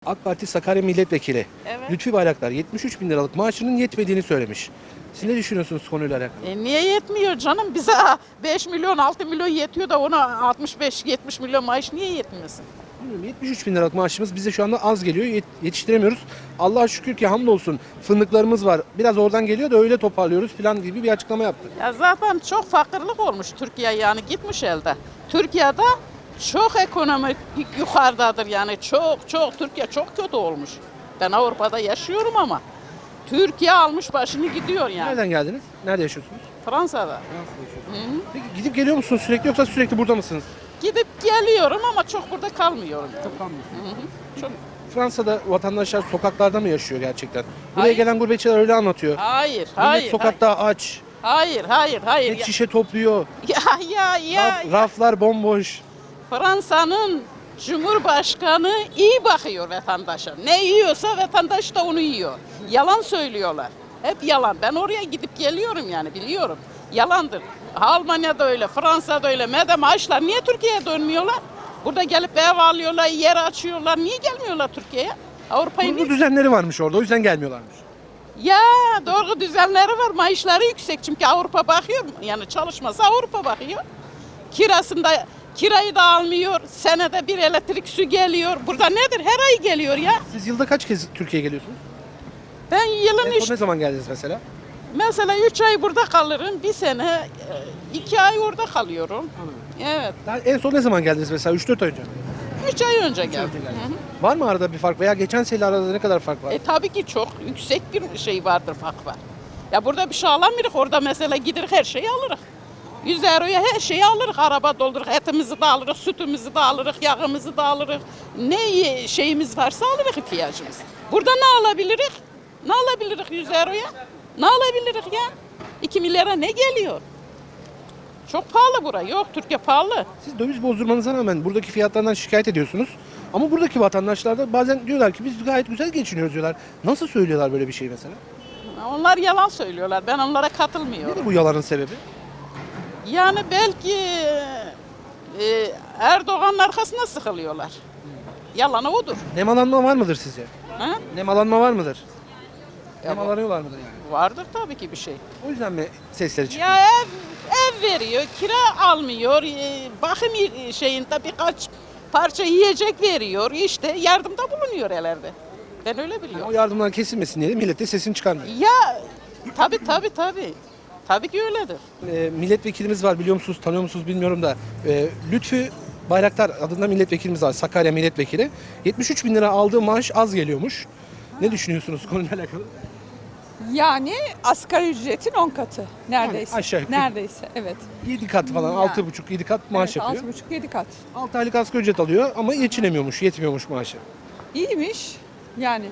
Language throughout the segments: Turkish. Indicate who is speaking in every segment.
Speaker 1: AK Parti Sakarya Milletvekili
Speaker 2: Evet.
Speaker 1: Lütfi Bayraktar 73 bin liralık maaşının yetmediğini söylemiş. Siz ne düşünüyorsunuz konuyla alakalı?
Speaker 2: Niye yetmiyor canım? Bize 5 milyon 6 milyon yetiyor da ona 65-70 milyon maaş niye yetmiyorsun?
Speaker 1: Bilmiyorum, 73 bin liralık maaşımız bize şu anda az geliyor. Yetiştiremiyoruz. Allah'a şükür ki hamdolsun fındıklarımız var. Biraz oradan geliyor da öyle toparlıyoruz falan gibi bir açıklama yaptı.
Speaker 2: Ya zaten çok fakirlik olmuş Türkiye, yani gitmiş elde. Türkiye'de çok ekonomik yukarıdadır, yani çok Türkiye çok kötü olmuş. Ben Avrupa'da yaşıyorum ama Türkiye almış başını gidiyor yani.
Speaker 1: Nereden geldiniz? Nerede yaşıyorsunuz?
Speaker 2: Fransa'da.
Speaker 1: Peki gidip geliyor musunuz sürekli yoksa sürekli burada mısınız?
Speaker 2: Gidip geliyorum ama çok burada kalmıyorum.
Speaker 1: Çok kalmıyorsunuz.
Speaker 2: Çok...
Speaker 1: Fransa'da vatandaşlar sokaklarda mı yaşıyor gerçekten? Buraya
Speaker 2: Hayır.
Speaker 1: gelen gurbetçiler öyle anlatıyor.
Speaker 2: Hayır,
Speaker 1: Millet
Speaker 2: hayır.
Speaker 1: sokakta aç.
Speaker 2: Hayır.
Speaker 1: Pet şişe topluyor.
Speaker 2: Ya.
Speaker 1: Raflar bomboş.
Speaker 2: Fransa'nın Cumhurbaşkanı iyi bakıyor vatandaşa. Ne yiyorsa vatandaş da onu yiyor. Yalan söylüyorlar. Hep yalan. Ben oraya gidip geliyorum, yani biliyorum. Yalandır. Almanya'da öyle, Fransa'da öyle. Madem açlar, niye Türkiye'ye dönmüyorlar? Burada gelip ev alıyorlar, yer açıyorlar. Niye gelmiyorlar Türkiye'ye? Avrupa'yı
Speaker 1: Kurulu düzenleri varmış orada o yüzden gelmiyorlarmış.
Speaker 2: Ya doğru düzenleri var. Maaşları yüksek çünkü Avrupa bakıyor. Yani çalışmasa Avrupa bakıyor. Kirayı da almıyor. Senede bir elektrik su geliyor. Burada nedir? Her ay geliyor ya.
Speaker 1: Siz yılda kaç kez Türkiye'ye geliyorsunuz?
Speaker 2: Ben yılın
Speaker 1: En son ne zaman geldiniz mesela?
Speaker 2: mesela 3 ay burada kalırım. Bir sene 2 ay orada kalıyorum. Evet.
Speaker 1: Daha en son ne zaman geldiniz mesela? 3-4 ay önce mi?
Speaker 2: 3 ay önce geldim.
Speaker 1: Var mı arada bir fark veya geçen sene arada ne kadar fark var?
Speaker 2: Tabii ki çok yüksek bir şey vardır, fark var. Ya burada bir şey alamıyoruz. Orada mesela gider her şeyi alırız. 100 euroya her şeyi alırız. Araba doldururuz, etimizi de alırız, sütümüzü de alırız, yağımızı da alırız. Ne şeyimiz varsa alırız ihtiyacımız. Burada ne alabiliriz? Ne alabiliriz 100 euroya? Ne alabiliriz ya? 2 milyara ne geliyor? Çok pahalı bura. Yok, Türkiye pahalı.
Speaker 1: Siz döviz bozdurmanıza rağmen buradaki fiyatlardan şikayet ediyorsunuz. Ama buradaki vatandaşlar da bazen diyorlar ki biz gayet güzel geçiniyoruz diyorlar. Nasıl söylüyorlar böyle bir şey mesela?
Speaker 2: Onlar yalan söylüyorlar. Ben onlara katılmıyorum.
Speaker 1: Nedir bu yalanın sebebi?
Speaker 2: Yani belki Erdoğan'ın arkasına sıkılıyorlar. Yalanı odur.
Speaker 1: Nemalanma var mıdır sizce?
Speaker 2: Ha?
Speaker 1: Nemalanma var mıdır?
Speaker 2: Ya
Speaker 1: Nemalanıyorlar mıdır yani?
Speaker 2: Vardır tabii ki bir şey.
Speaker 1: O yüzden mi sesleri çıkıyor?
Speaker 2: Ya ev veriyor, kira almıyor, bakım şeyinde birkaç parça yiyecek veriyor, işte yardımda bulunuyor ellerde. Ben öyle
Speaker 1: Yani
Speaker 2: biliyorum.
Speaker 1: o yardımlar kesilmesin diye millet de sesini çıkarmıyor.
Speaker 2: Ya tabii. Tabii ki öyledir.
Speaker 1: Milletvekilimiz var biliyor musunuz, tanıyor musunuz bilmiyorum da Lütfü Bayraktar adında milletvekilimiz var, Sakarya milletvekili. 73 bin lira aldığı maaş az geliyormuş. Ne düşünüyorsunuz konuyla alakalı?
Speaker 3: Yani asgari ücretin 10 katı neredeyse.
Speaker 1: Yani aşağı yukarı.
Speaker 3: Neredeyse, evet.
Speaker 1: 7 kat falan,
Speaker 3: Ya.
Speaker 1: 6,5-7 kat maaş
Speaker 3: Evet,
Speaker 1: yapıyor.
Speaker 3: 6,5-7 kat.
Speaker 1: 6 aylık asgari ücret alıyor ama geçinemiyormuş, yetmiyormuş maaşı.
Speaker 3: İyiymiş. Yani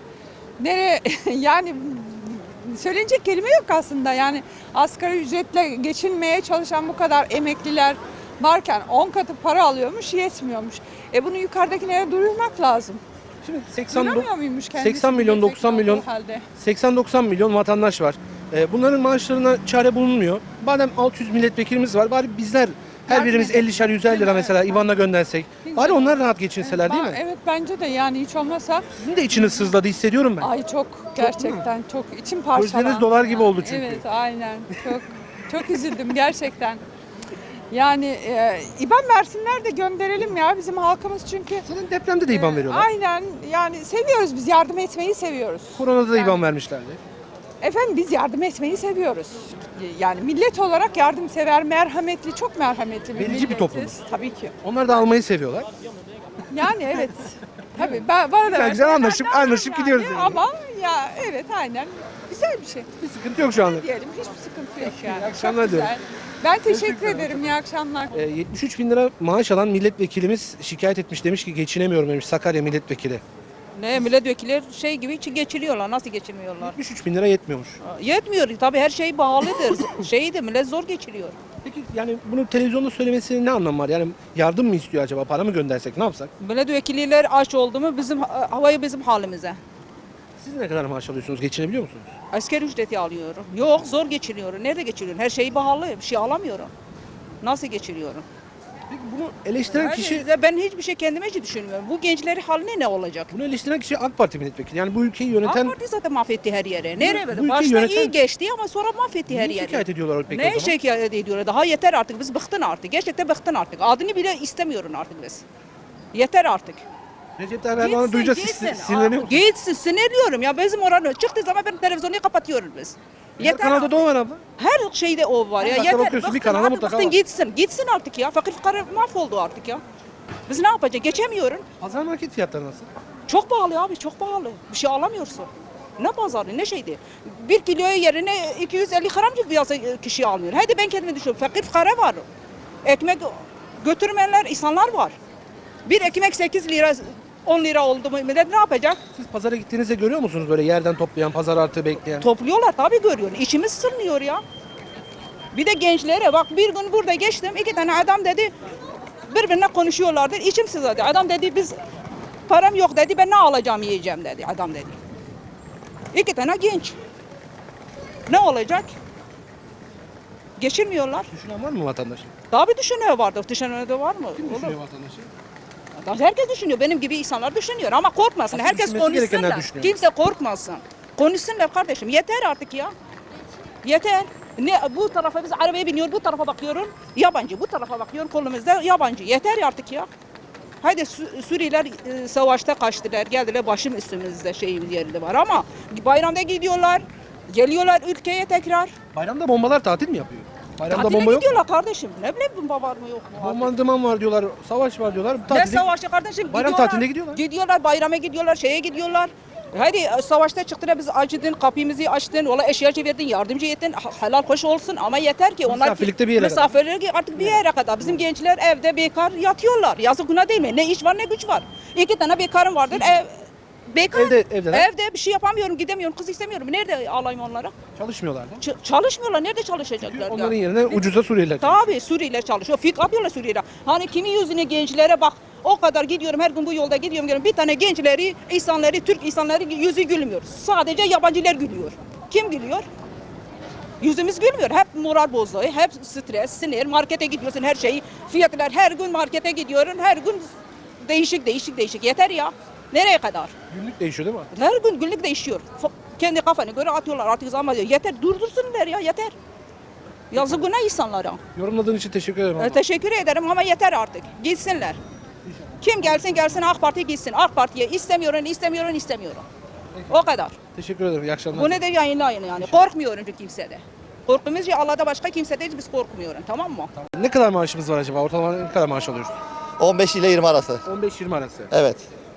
Speaker 3: yani söylenecek kelime yok aslında. Yani asgari ücretle geçinmeye çalışan bu kadar emekliler varken 10 katı para alıyormuş, yetmiyormuş. Bunu yukarıdakilere duyurmak lazım.
Speaker 1: Şimdi
Speaker 3: Duyuramıyor muymuş kendisi?
Speaker 1: 80 milyon, 90 milyon,
Speaker 3: olduğu halde?
Speaker 1: 80-90 milyon vatandaş var. Bunların maaşlarına çare bulunmuyor. Madem 600 milletvekilimiz var, bari bizler her
Speaker 3: Yardım
Speaker 1: birimiz
Speaker 3: edelim.
Speaker 1: 50'şer 150 lira
Speaker 3: Evet.
Speaker 1: mesela IBAN'la göndersek.
Speaker 3: Hiç
Speaker 1: Bari
Speaker 3: yok.
Speaker 1: onlar rahat geçinseler değil mi?
Speaker 3: Evet, bence de, yani hiç olmasa
Speaker 1: Sizin de içiniz sızladı hissediyorum ben.
Speaker 3: ay çok gerçekten çok içim parçalandı.
Speaker 1: Gözleriniz dolar gibi oldu çünkü.
Speaker 3: Evet, aynen. Çok üzüldüm gerçekten. Yani İBAN versinler de gönderelim ya bizim halkımız, çünkü
Speaker 1: Senin depremde de IBAN veriyorlar.
Speaker 3: aynen, yani seviyoruz, biz yardım etmeyi seviyoruz.
Speaker 1: Koronada da
Speaker 3: Yani-
Speaker 1: IBAN vermişlerdi.
Speaker 3: Efendim, biz yardım etmeyi seviyoruz. Yani millet olarak yardımsever, merhametli, çok merhametli bir
Speaker 1: Verici bir
Speaker 3: milletiz.
Speaker 1: toplumuz.
Speaker 3: Tabii ki.
Speaker 1: Onlar da almayı seviyorlar.
Speaker 3: Yani evet. Tabii bana da
Speaker 1: Güzel,
Speaker 3: verseler
Speaker 1: güzel
Speaker 3: ben
Speaker 1: anlaşıp-
Speaker 3: de alırım
Speaker 1: anlaşıp gidiyoruz yani.
Speaker 3: Ama ya evet, aynen. Güzel bir şey.
Speaker 1: Bir sıkıntı yok şu anda.
Speaker 3: Diyelim, hiçbir sıkıntı yok yani.
Speaker 1: akşamlar
Speaker 3: Çok güzel. Ben teşekkür ederim. İyi akşamlar.
Speaker 1: 73 bin lira maaş alan milletvekilimiz şikayet etmiş, demiş ki geçinemiyorum demiş Sakarya milletvekili.
Speaker 4: Ne milletvekilleri şey gibi için geçiniyorlar. Nasıl geçinmiyorlar?
Speaker 1: 73 bin lira yetmiyormuş.
Speaker 4: Yetmiyor. Tabii her şey pahalıdır. Şeydi millet zor geçiriyor.
Speaker 1: Peki yani bunu televizyonda söylemesinin ne anlamı var? Yani yardım mı istiyor acaba? Para mı göndersek ne yapsak?
Speaker 4: Milletvekilleri aç oldu mu bizim havayı bizim halimize.
Speaker 1: Siz ne kadar maaş alıyorsunuz? Geçinebiliyor musunuz?
Speaker 4: Asker ücreti alıyorum. Yok zor geçiniyorum. Nerede geçiriyorum? Her şey pahalı. Bir şey alamıyorum. Nasıl geçiriyorum?
Speaker 1: Peki bunu eleştiren kişi,
Speaker 4: Ben hiçbir şey kendime hiç düşünmüyorum. Bu gençlerin haline ne olacak?
Speaker 1: bunu eleştiren kişi AK Parti milletvekili. Yani bu ülkeyi yöneten...
Speaker 4: AK Parti zaten mahvetti her yere. Nereye
Speaker 1: bu
Speaker 4: böyle?
Speaker 1: ülkeyi
Speaker 4: Başta
Speaker 1: yöneten-
Speaker 4: iyi geçti ama sonra mahvetti her
Speaker 1: Niye
Speaker 4: yeri.
Speaker 1: şikayet ediyorlar peki o
Speaker 4: Ne
Speaker 1: zaman?
Speaker 4: şikayet ediyorlar? Daha yeter artık. Biz bıktın artık. Gerçekten bıktın artık. Adını bile istemiyorum artık biz. Yeter artık.
Speaker 1: Recep Tayyip Erdoğan'ı duyunca siz sinirleniyor musunuz?
Speaker 4: Gitsin, sinirliyorum ya. Bizim oranı çıktığı zaman ben televizyonu kapatıyoruz biz.
Speaker 1: Her kanalda da o var abla.
Speaker 4: Her şeyde o var ya.
Speaker 1: Mutlaka
Speaker 4: Yeter.
Speaker 1: bakıyorsun, bir
Speaker 4: Bıktın
Speaker 1: kanala
Speaker 4: artık,
Speaker 1: mutlaka
Speaker 4: bıktın,
Speaker 1: var.
Speaker 4: gitsin. Gitsin artık ya. Fakir fukara mahvoldu artık ya. Biz ne yapacağız? Geçemiyorum.
Speaker 1: Pazar market fiyatları nasıl?
Speaker 4: Çok pahalı abi, çok pahalı. Bir şey alamıyorsun. Ne pazarı, ne şeydi? 1 kiloya yerine 250 gram gibi yazı kişi almıyor. Hadi ben kendime düşünüyorum. Fakir fukara var. Ekmek götürmeyenler, insanlar var. Bir ekmek 8 lira, 10 lira oldu mu millet ne yapacak?
Speaker 1: Siz pazara gittiğinizde görüyor musunuz böyle yerden toplayan, pazar artığı bekleyen?
Speaker 4: Topluyorlar tabii görüyorsun. İçimiz sırmıyor ya. Bir de gençlere bak bir gün burada geçtim. 2 tane adam dedi birbirine konuşuyorlardı. İçim sızladı. Adam dedi biz param yok dedi. Ben ne alacağım yiyeceğim dedi. Adam dedi. 2 tane genç. Ne olacak? Geçirmiyorlar.
Speaker 1: Düşünen var mı vatandaş?
Speaker 4: Tabii düşünüyor vardır. Düşünen de var mı?
Speaker 1: Kim
Speaker 4: Olur.
Speaker 1: düşünüyor vatandaşı?
Speaker 4: Herkes düşünüyor. Benim gibi insanlar düşünüyor. Ama korkmasın.
Speaker 1: Aslında
Speaker 4: Herkes
Speaker 1: düşünmesi gerekenler
Speaker 4: konuşsunlar.
Speaker 1: düşünüyor.
Speaker 4: Kimse korkmasın. Konuşsunlar kardeşim. Yeter artık ya. Yeter. Ne bu tarafa biz arabaya biniyor, bu tarafa bakıyorum yabancı, bu tarafa bakıyorum kolumuzda yabancı. Yeter artık ya. Haydi Suriyeliler savaşta kaçtılar, geldiler başım üstümüzde şeyimiz yerinde var ama bayramda gidiyorlar, geliyorlar ülkeye tekrar.
Speaker 1: Bayramda bombalar tatil mi yapıyor? Bayramda
Speaker 4: Tatile
Speaker 1: bomba yok mu?
Speaker 4: gidiyorlar kardeşim. Ne bileyim bomba var mı yok mu?
Speaker 1: Bombardıman var diyorlar, savaş var diyorlar.
Speaker 4: Ne
Speaker 1: Tatilde...
Speaker 4: savaşı kardeşim?
Speaker 1: Bayram
Speaker 4: Gidiyorlar.
Speaker 1: tatiline gidiyorlar.
Speaker 4: Gidiyorlar, bayrama gidiyorlar, şeye gidiyorlar. Hadi savaşta çıktılar biz acıdın, kapımızı açtın, valla eşyacı verdin, yardımcı ettin, helal hoş olsun ama yeter ki onlar
Speaker 1: Misafirlikte bir yere kadar.
Speaker 4: misafirlik artık bir yere kadar. Bizim gençler evde bekar yatıyorlar. Yazık günah değil mi? Ne iş var ne güç var. 2 tane bekarım vardır. Bekar.
Speaker 1: Evdeler.
Speaker 4: Evde bir şey yapamıyorum, gidemiyorum, kız istemiyorum. Nerede alayım onlara?
Speaker 1: Çalışmıyorlar da.
Speaker 4: Çalışmıyorlar. Nerede çalışacaklar? ya?
Speaker 1: Onların yerine ucuza Suriyeliler.
Speaker 4: Tabii Suriyeliler çalışıyor. Fik yapıyorlar Suriyeliler. Hani kimin yüzüne gençlere bak. O kadar gidiyorum her gün bu yolda gidiyorum. Bir tane gençleri, insanları, Türk insanları yüzü gülmüyor. Sadece yabancılar gülüyor. Kim gülüyor? Yüzümüz gülmüyor. Hep moral bozuluğu, hep stres, sinir. Markete gidiyorsun her şeyi. Fiyatlar her gün markete gidiyorum. Her gün değişik. Yeter ya. Nereye kadar?
Speaker 1: Günlük değişiyor değil mi?
Speaker 4: Her gün günlük değişiyor. Kendi kafana göre atıyorlar artık zaman diyor. Yeter durdursunlar ya yeter. Yazık günah insanlara.
Speaker 1: Yorumladığın için teşekkür ederim abla.
Speaker 4: Teşekkür ederim ama yeter artık. Gitsinler. Kim gelsin AK Parti gitsin. AK Parti'ye istemiyorum. O kadar.
Speaker 1: Teşekkür ederim. İyi akşamlar.
Speaker 4: Bunu da yayınlayın yani. Korkmuyorum çünkü kimsede. Korkumuz ya Allah'da başka kimsede biz korkmuyoruz tamam mı?
Speaker 1: Ne kadar maaşımız var acaba? Ortalama ne kadar maaş alıyoruz?
Speaker 5: 15 ile 20 arası.
Speaker 1: 15-20 arası.
Speaker 5: Evet.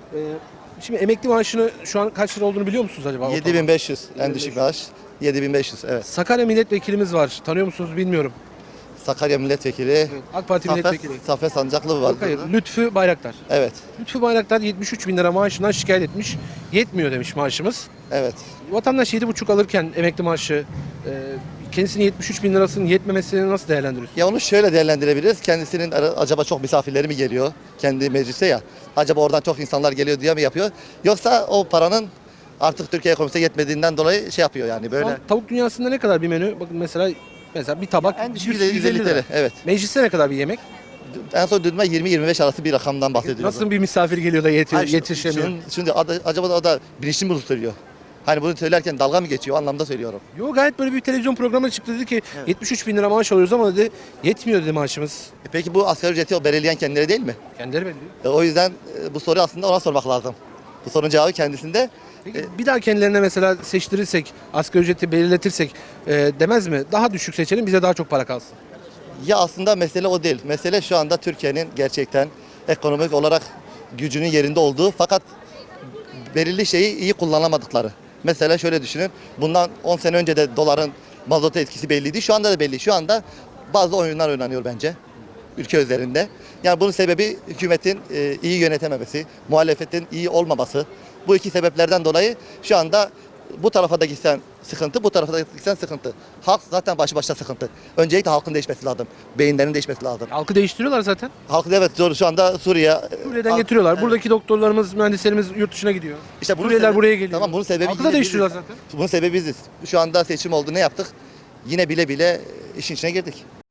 Speaker 1: Şimdi emekli maaşını şu an kaç lira olduğunu biliyor musunuz acaba?
Speaker 5: 7500 en düşük maaş. 7500 evet.
Speaker 1: Sakarya milletvekilimiz var. Tanıyor musunuz bilmiyorum.
Speaker 5: Sakarya milletvekili.
Speaker 1: AK Parti milletvekili.
Speaker 5: Saffet Sancaklı var.
Speaker 1: Yok, hayır. Lütfü Bayraktar.
Speaker 5: Evet.
Speaker 1: Lütfü Bayraktar 73 bin lira maaşından şikayet etmiş. Yetmiyor demiş maaşımız.
Speaker 5: Evet.
Speaker 1: Vatandaş 7,5 alırken emekli maaşı kendisinin 73 bin lirasının yetmemesini nasıl değerlendiriyorsun?
Speaker 5: Ya onu şöyle değerlendirebiliriz. Kendisinin acaba çok misafirleri mi geliyor? Kendi meclise ya. Acaba oradan çok insanlar geliyor diye mi yapıyor? Yoksa o paranın artık Türkiye ekonomisine yetmediğinden dolayı şey yapıyor yani
Speaker 1: Şu
Speaker 5: böyle.
Speaker 1: an tavuk dünyasında ne kadar bir menü? Bakın mesela bir tabak
Speaker 5: En düşük
Speaker 1: 100
Speaker 5: 150 TL. Evet.
Speaker 1: Mecliste ne kadar bir yemek?
Speaker 5: En son duyduğumda 20-25 arası bir rakamdan bahsediyoruz.
Speaker 1: Nasıl bir misafir geliyor da
Speaker 5: Hayır,
Speaker 1: yetişemiyor?
Speaker 5: Şimdi acaba da o da bilinçli mi bunu söylüyor? Hani bunu söylerken dalga mı geçiyor? O anlamda söylüyorum.
Speaker 1: Yok gayet böyle bir televizyon programına çıktı dedi ki 73 bin lira maaş alıyoruz ama dedi yetmiyor dedi maaşımız.
Speaker 5: Peki bu asgari ücreti o belirleyen kendileri değil mi?
Speaker 1: Kendileri belli.
Speaker 5: O yüzden bu soruyu aslında ona sormak lazım. Bu sorunun cevabı kendisinde.
Speaker 1: Peki bir daha kendilerine mesela seçtirirsek, asgari ücreti belirletirsek demez mi? Daha düşük seçelim bize daha çok para kalsın.
Speaker 5: Ya aslında mesele o değil. Mesele şu anda Türkiye'nin gerçekten ekonomik olarak gücünün yerinde olduğu fakat belirli şeyi iyi kullanamadıkları. Mesela şöyle düşünün. Bundan 10 sene önce de doların mazota etkisi belliydi. Şu anda da belli. Şu anda bazı oyunlar oynanıyor bence ülke üzerinde. Yani bunun sebebi hükümetin iyi yönetememesi, muhalefetin iyi olmaması. Bu iki sebeplerden dolayı şu anda bu tarafa da gitsen sıkıntı, bu tarafa da gitsen sıkıntı. Halk zaten başlı başına sıkıntı. Öncelikle halkın değişmesi lazım. Beyinlerin değişmesi lazım.
Speaker 1: Halkı değiştiriyorlar zaten.
Speaker 5: Halk evet zor şu anda Suriye.
Speaker 1: Suriye'den getiriyorlar. Buradaki doktorlarımız, mühendislerimiz yurt dışına gidiyor.
Speaker 5: İşte bunun
Speaker 1: Suriyeliler
Speaker 5: sebebi-
Speaker 1: buraya geliyor.
Speaker 5: Tamam bunun sebebi
Speaker 1: Halkı da
Speaker 5: yine
Speaker 1: değiştiriyorlar
Speaker 5: biziz.
Speaker 1: zaten.
Speaker 5: Bunun sebebi biziz. Şu anda seçim oldu ne yaptık? Yine bile bile işin içine girdik.